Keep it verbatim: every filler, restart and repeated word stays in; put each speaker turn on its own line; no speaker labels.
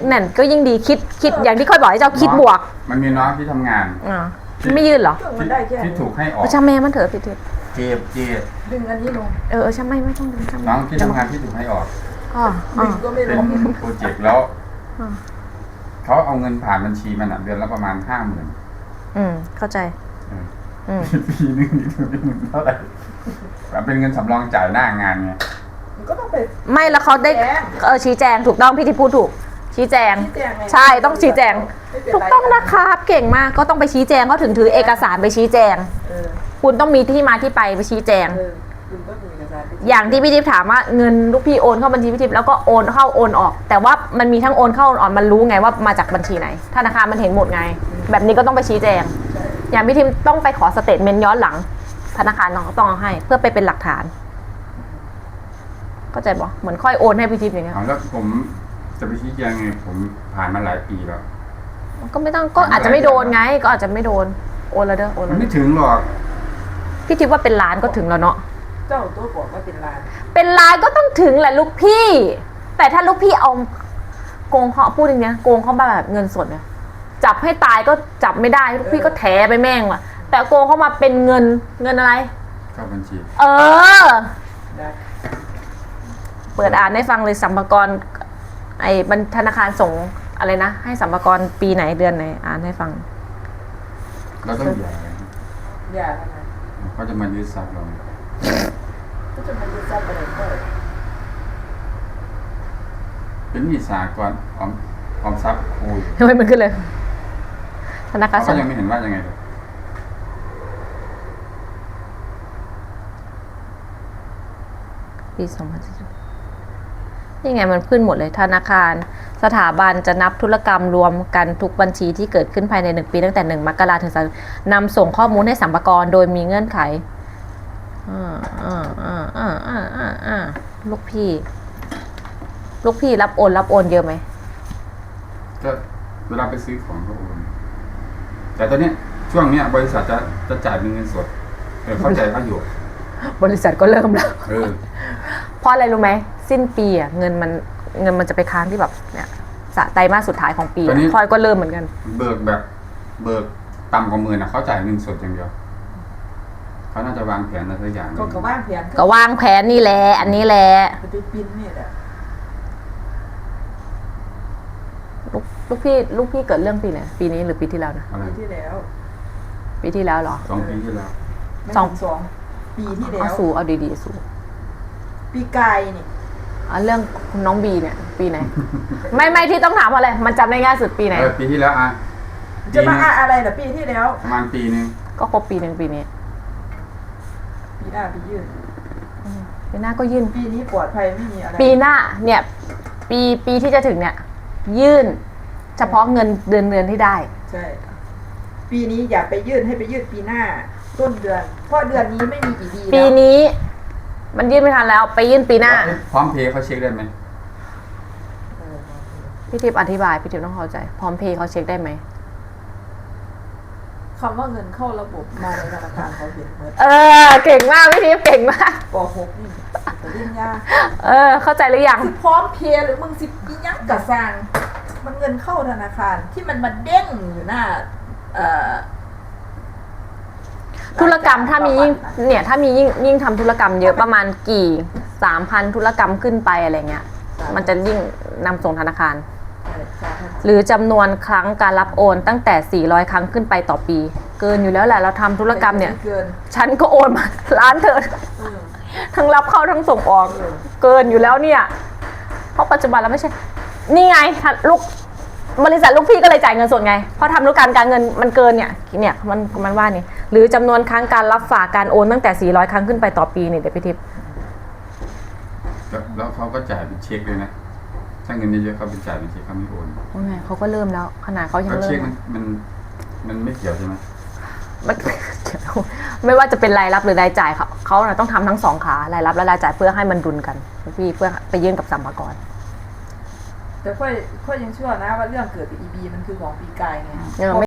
นั่นก็ยิ่งดีคิดคิดอย่างที่ค่อยบอกให้เจ้าคิดบวก
มันมีน้องที่ทำงาน
อ่าไม่ยื่นเหรอ
ที่ถูกให้ออก
ช่างแม่มันเถอะพี่เทพ
เจ็บเจ็บ
ดึงอันนี้ลง
เออช่างไม่ไม่ต้องดึงช่าง
น้องที่ทำงานที่ถูกให้ออก
อ๋อ
ดึงก็ไม่ลง
เป็นโปรเจกต์แล้วเขาเอาเงินผ่านบัญชีมันเดือนละประมาณห้าหมื่น
อืมเข้าใจ
ปีนึงนี่ถึงเป็นหมื่นเท่าไหร่เป็นเงินสำรองจ่ายหน้างานไง
ก็ต้องไป
ไม่แล้วเขาได้เออชี้แจงถูกต้องพี่ที่พูดถูกชี้แจงใช่ต้องชี้แจงถูกต้องนะครับเก่งมากก็ต้องไปชี้แจงเขาถึงถือเอกสารไปชี้แจงคุณต้องมีที่มาที่ไปไปชี้แจงอย่างที่พี่ทิพย์ถามว่าเงินลูกพี่โอนเข้าบัญชีพี่ทิพย์แล้วก็โอนเข้าโอนออกแต่ว่ามันมีทั้งโอนเข้าโอนออกมันรู้ไงว่ามาจากบัญชีไหนธนาคารมันเห็นหมดไงแบบนี้ก็ต้องไปชี้แจงอย่างพี่ทิพย์ต้องไปขอสเตทเมนต์ย้อนหลังธนาคารน้องต้องเอาให้เพื่อไปเป็นหลักฐานเข้าใจปะเหมือนค่อยโอนให้พี่ทิพย์อย่างเงี้ย
แล้วผมจะไปชี้แจงไงผมผ่านมาหลายปีแล้ว
ก็ไม่ต้องก็อาจจะไม่โดนไงก็อาจจะไม่โดนโอนแล้วเด้อโอน
มันไม่ถึงหรอก
พี่ทิพย์ว่าเป็นล้านก็ถึงแล้วเนาะ
เจ้าตัวบอกว่าเป็นล้าน
เป็นล้านก็ต้องถึงแหละลูกพี่แต่ถ้าลูกพี่เอาโกงเขาพูดอย่างเงี้ยโกงเขาแบบเงินสดเนี่ยจับให้ตายก็จับไม่ได้ลูกพี่ก็แถไปแม่งว่ะแต่โกงเขามาเป็นเงินเงินอะไร
เข้าบัญชี
เออเปิดอ่านให้ฟังเลยสัมภาระไอ้บัญธนาคารส่งอะไรนะให้สัมภาระปีไหนเดือนไหนอ่านให้ฟัง
แล้วต้องอย่า
อย่าทำไม
เขาจะมายึดทรัพย์เรา
ก็จะมายึดทรัพย์อะไรก็
เป็นหนี้สากลออมออมทรัพย์คุย
ทำไมมันขึ้นเลยธนาคาร
เขายังไม่เห็นว่ายังไงเลย
ปีสองพันสิบนี่ไงมันขึ้นหมดเลยธนาคารสถาบันจะนับธุรกรรมรวมกันทุกบัญชีที่เกิดขึ้นภายในหนึ่งปีตั้งแต่หนึ่งมกราคมถึงนำส่งข้อมูลให้สรรพากรโดยมีเงื่อนไขอ่าอ่าอ่าอ่าอ่าอ่าอ่าลูกพี่ลูกพี่รับโอนรับโอนเยอะไหม
ก็เวลาไปซื้อของเขาโอนแต่ตอนนี้ช่วงนี้บริษัทจะจะจ่ายเป็นเงินสดเออเข้าใจเขาอยู่
บริษัทก็เริ่มแล้ว
เออ
เพราะอะไรรู้ไหมสิ้นปีอ่ะเงินมันเงินมันจะไปค้างที่แบบเนี่ยสะไตรมาสสุดท้ายของปีคอยก็เริ่มเหมือนกัน
เบิกแบบเบิกต่ำกว่าหมื่นนะเขาจ่ายเงินสดอย่างเดียวเขาน่าจะวางแผนอะไรสักอย่าง
ก็วางแผน
ก็วางแผนนี่แหละอันนี้แหละ
ไปปินนี่แหละ
ลูกลูกพี่ลูกพี่เกิดเรื่องปีไหนปีนี้หรือปีที่แล้วนะ
ปีที่แล้ว
ปีที่แล้วเหรอ
สองปีที่แล้ว
สองสองปีที่แล้ว
เอาสู่เอาดีๆสู่
ปีกายนี่
อ๋อเรื่องน้องบีเนี่ยปีไหนไม่ไม่ที่ต้องถามอะไรมันจำได้ง่ายสุดปีไหน
เออปีที่แล้วอ่ะ
จะมาอะไรเหรอปีที่แล้ว
ประมาณปีนึง
ก็ครบปีหนึ่งปีนี้
ปีหน้าปียื่น
ปีหน้าก็ยื่น
ปีนี้ปลอดภัยไม่มีอะไร
ปีหน้าเนี่ยปีปีที่จะถึงเนี่ยยื่นเฉพาะเงินเดือนเดือนที่ได้
ใช่ปีนี้อย่าไปยื่นให้ไปยื่นปีหน้าต้นเดือนเพราะเดือนนี้ไม่มีกี่ดี
ปีนี้มันยื่นไม่ทันแล้วไปยื่นปีหน้า
พร้อมเพย์เขาเช็คได้ไหม
พี่ทิพย์อธิบายพี่ทิพย์ต้องเข้าใจพร้อมเพย์เขาเช็คได้ไหม
คำว่าเงินเข้าระบบมาในธนาคารเขาเห็นหมด
เออเก่งมากพี่ทิพย์เก่งมาก
ปหกนี่แต่เรียนยาก
เออเข้าใจหรือยัง
พร้อมเพย์หรือมึงสิปียังกะสร้างมันเงินเข้าธนาคารที่มันมาเด้งอยู่หน้าเอ่อ
ธุรกรรมถ้ามียิ่งเนี่ยถ้ามียิ่งยิ่งทำธุรกรรมเยอะประมาณกี่สามพันธุรกรรมขึ้นไปอะไรเงี้ยมันจะยิ่งนำส่งธนาคารหรือจำนวนครั้งการรับโอนตั้งแต่สี่ร้อยครั้งขึ้นไปต่อปีเกินอยู่แล้วแหละเราทำธุรกรรมเนี่ยฉันก็โอนมาล้านเถิดทั้งรับเข้าทั้งส่งออกเกินอยู่แล้วเนี่ยเพราะปัจจุบันเราไม่ใช่นี่ไงลูกบริษัทลูกพี่ก็เลยจ่ายเงินสดไงเพราะทำธุรกรรมการเงินมันเกินเนี่ยเนี่ยมันมันว่านี่หรือจำนวนครั้งการรับฝากการโอนตั้งแต่สี่ร้อยครั้งขึ้นไปต่อปีเนี่ยเดี๋ยวพี่ทิพย์
แล้วเขาก็จ่ายเป็นเช็คเลยนะถ้าเงินเยอะๆเขาเป็นจ่ายเป็นเช็คเขาไม่โอน
โอ้ยเขาก็เริ่มแล้วขนาดเขายังเริ่ม
เช็คมันมันมันไม่เกี่ยวใช่ไหม
มันไม่ว่าจะเป็นรายรับหรือรายจ่ายเขาเขาต้องทำทั้งสองขารายรับและรายจ่ายเพื่อให้มันดุลกันพี่เพื่อไปยื่นกับสรรพากร
แต่ค่อยค่อยยังเชื่อนะว่าเรื่องเกิดจาก อี บี มันคือของปีกายไง